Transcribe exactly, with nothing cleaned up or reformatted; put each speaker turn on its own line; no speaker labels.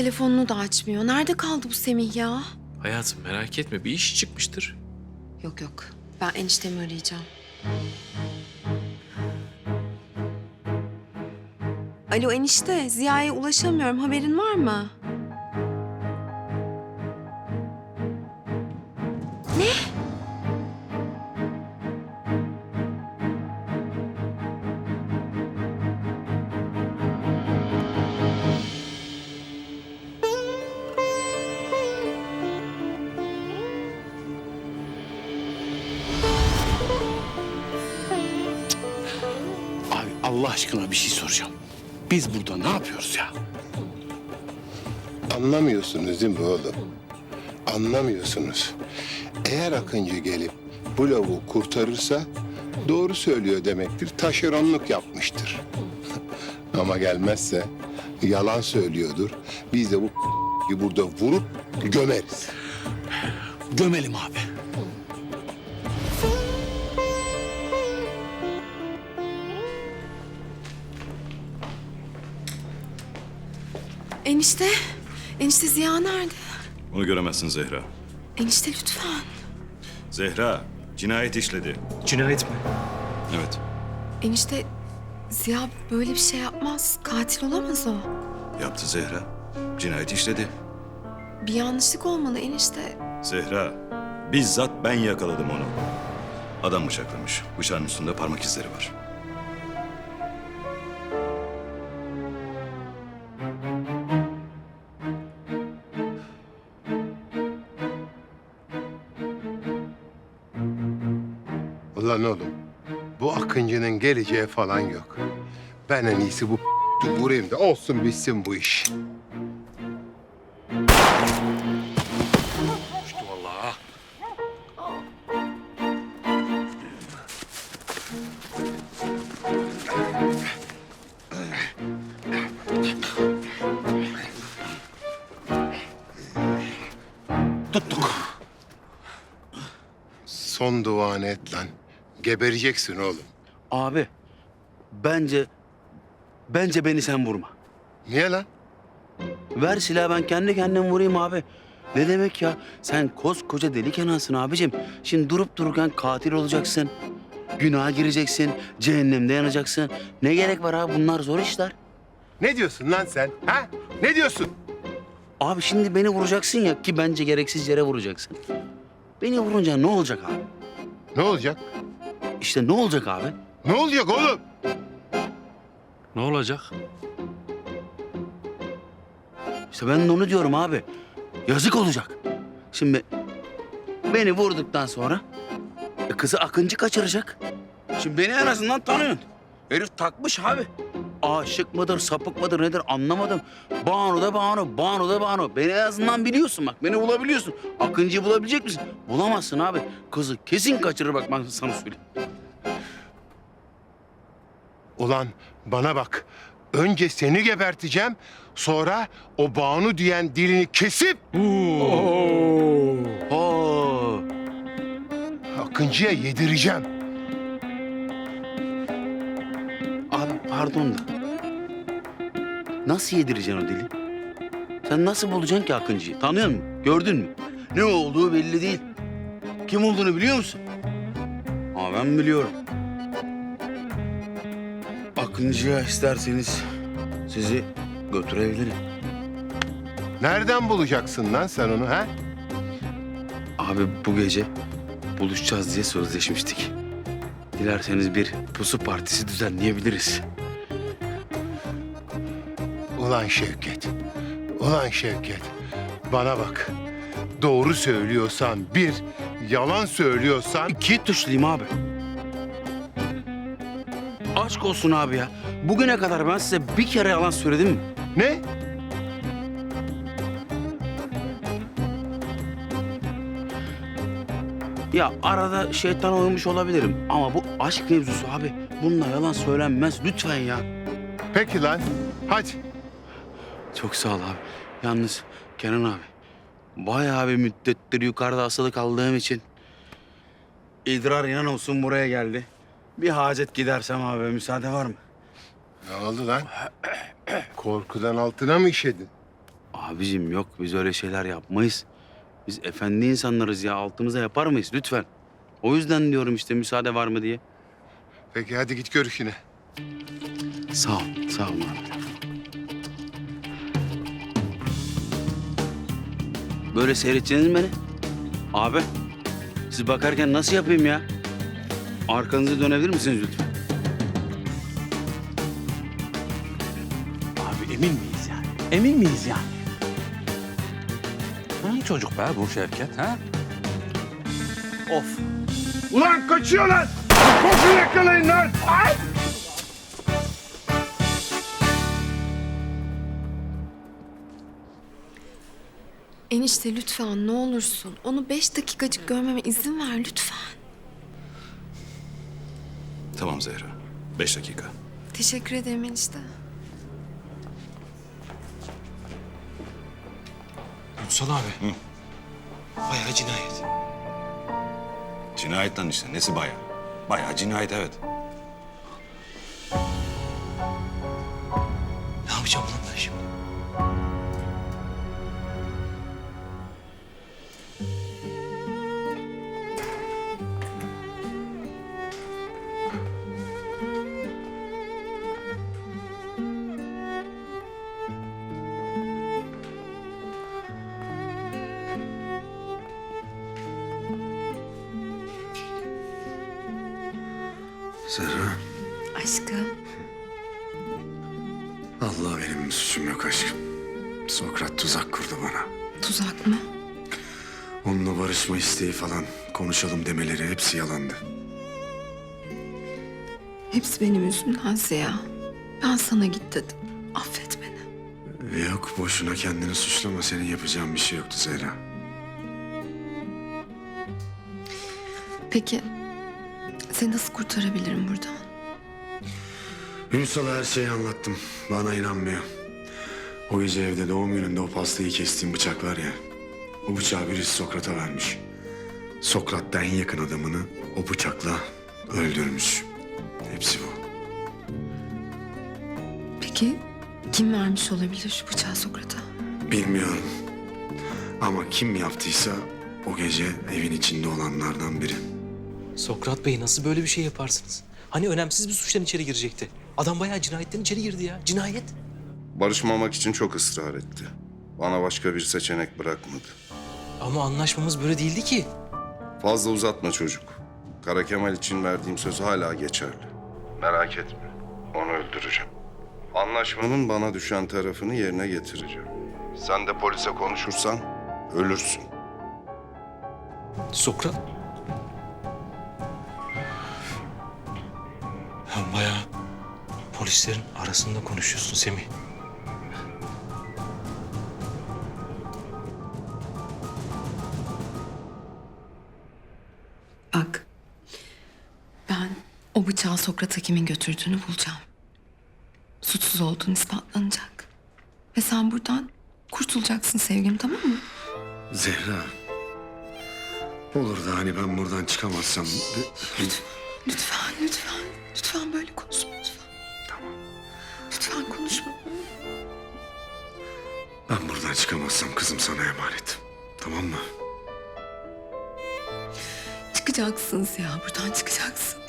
telefonunu da açmıyor. Nerede kaldı bu Semih ya?
Hayatım merak etme, bir iş çıkmıştır.
Yok yok. Ben eniştemi arayacağım. Alo enişte, Ziya'ya ulaşamıyorum. Haberin var mı? Ne?
Abi Allah aşkına bir şey soracağım. Biz burada ne yapıyoruz ya?
Anlamıyorsunuz değil mi oğlum? Anlamıyorsunuz. Eğer Akıncı gelip bu lavuğu kurtarırsa doğru söylüyor demektir. Taşeronluk yapmıştır. Ama gelmezse yalan söylüyordur. Biz de bu burada vurup gömeriz.
Gömelim abi.
Enişte, enişte Ziya nerede?
Onu göremezsin Zehra.
Enişte lütfen.
Zehra cinayet işledi.
Cinayet mi?
Evet.
Enişte Ziya böyle bir şey yapmaz. Katil olamaz o.
Yaptı Zehra. Cinayet işledi.
Bir yanlışlık olmalı enişte.
Zehra bizzat ben yakaladım onu. Adam bıçaklamış. Bıçağın üstünde parmak izleri var.
Ulan oğlum, bu Akıncı'nın geleceği falan yok. Ben en iyisi bu vurayım da olsun bitsin bu iş.
Tuttuk.
Son duanı et lan. Gebereceksin oğlum.
Abi bence bence beni sen vurma.
Niye lan?
Ver silahı ben kendi kendime vurayım abi. Ne demek ya? Sen koskoca deli Kenan'sın abicim. Şimdi durup dururken katil olacaksın. Günaha gireceksin. Cehennemde yanacaksın. Ne gerek var abi? Bunlar zor işler.
Ne diyorsun lan sen? Ha? Ne diyorsun?
Abi şimdi beni vuracaksın ya ki bence gereksiz yere vuracaksın. Beni vurunca ne olacak abi?
Ne olacak?
İşte ne olacak abi?
Ne olacak oğlum?
Ne olacak?
İşte ben de onu diyorum abi. Yazık olacak. Şimdi beni vurduktan sonra e, kızı Akıncı kaçıracak. Şimdi beni en azından tanıyorsun. Herif takmış abi. Aşık mıdır, sapık mıdır nedir anlamadım. Banu da Banu, Banu da Banu. Beni en azından biliyorsun bak, beni bulabiliyorsun. Akıncı'yı bulabilecek misin? Bulamazsın abi. Kızı kesin kaçırır bak ben sana söyleyeyim.
Ulan bana bak. Önce seni geberteceğim. Sonra o Banu diyen dilini kesip
Oo.
Akıncı'ya yedireceğim.
Abi pardon da. Nasıl yedireceksin o dili? Sen nasıl bulacaksın ki Akıncı'yı? Tanıyor musun? Gördün mü? Ne olduğu belli değil. Kim olduğunu biliyor musun? Ama ben biliyorum. Akıncı'ya isterseniz sizi götürebilirim.
Nereden bulacaksın lan sen onu ha?
Abi bu gece buluşacağız diye sözleşmiştik. Dilerseniz bir pusu partisi düzenleyebiliriz.
Ulan Şevket. Ulan Şevket. Bana bak. Doğru söylüyorsan bir, yalan söylüyorsan
İki tuşluyum abi. Aşk olsun abi ya. Bugüne kadar ben size bir kere yalan söyledim mi?
ne?
Ya arada şeytan oymuş olabilirim ama bu aşk mevzusu abi. Bununla yalan söylenmez lütfen ya.
Peki lan. Hadi.
Çok sağ ol abi. Yalnız Kenan abi, bayağı bir müddettir yukarıda asılı kaldığım için idrar inan olsun buraya geldi. Bir hacet gidersem abi müsaade var mı?
Ne oldu lan? Korkudan altına mı işedin?
Abicim yok biz öyle şeyler yapmayız. Biz efendi insanlarız ya altımıza yapar mıyız lütfen. O yüzden diyorum işte müsaade var mı diye.
Peki hadi git gör işine.
Sağ ol, sağ ol abi. Böyle seyredeceksiniz mi beni? Abi, siz bakarken nasıl yapayım ya? Arkanızı dönebilir misiniz lütfen?
Abi emin miyiz yani? Emin miyiz yani? Hangi çocuk be bu Şevket ha? Of.
Ulan kaçıyor lan! Koşun yakalayın lan! Ay!
Enişte lütfen ne olursun. Onu beş dakikacık görmeme izin ver lütfen.
Tamam Zehra. Beş dakika.
Teşekkür ederim enişte.
Ünsal abi. Bayağı cinayet.
Cinayet lan işte. Nesi bayağı? Bayağı cinayet evet.
Ne yapacağım lan ben şimdi?
Zehra,
Aşkım.
Allah benim bir suçum yok aşkım. Sokrat tuzak kurdu bana.
Tuzak mı?
Onunla barışma isteği falan, konuşalım demeleri hepsi yalandı.
Hepsi benim yüzümden Ziya. Ben sana git dedim. Affet beni.
Ve yok boşuna kendini suçlama, senin yapacağın bir şey yoktu Zehra.
Peki seni nasıl kurtarabilirim buradan?
Ünsal'a her şeyi anlattım, bana inanmıyor. O gece evde doğum gününde o pastayı kestiğim bıçak var ya, o bıçağı birisi Sokrat'a vermiş. Sokrat da en yakın adamını o bıçakla öldürmüş. Hepsi bu.
Peki kim vermiş olabilir şu bıçağı Sokrat'a?
Bilmiyorum. Ama kim yaptıysa o gece evin içinde olanlardan biri.
Sokrat Bey nasıl böyle bir şey yaparsınız? Hani önemsiz bir suçtan içeri girecekti. Adam bayağı cinayetten içeri girdi ya. Cinayet.
Barışmamak için çok ısrar etti. Bana başka bir seçenek bırakmadı.
Ama anlaşmamız böyle değildi ki.
Fazla uzatma çocuk. Kara Kemal için verdiğim söz hala geçerli. Merak etme. Onu öldüreceğim. Anlaşmanın bana düşen tarafını yerine getireceğim. Sen de polise konuşursan ölürsün.
Sokrat. Ya bayağı polislerin arasında konuşuyorsun Semih.
Bak. Ben o bıçağı Sokrat'a kimin götürdüğünü bulacağım. Suçsuz olduğun ispatlanacak. Ve sen buradan kurtulacaksın sevgilim, tamam mı?
Zehra. Olur da hani ben buradan çıkamazsam...
Lütfen, lütfen. Lütfen böyle konuşma lütfen.
Tamam.
Lütfen konuşma.
Ben buradan çıkamazsam kızım sana emanet. Tamam mı?
Çıkacaksınız ya, buradan çıkacaksın.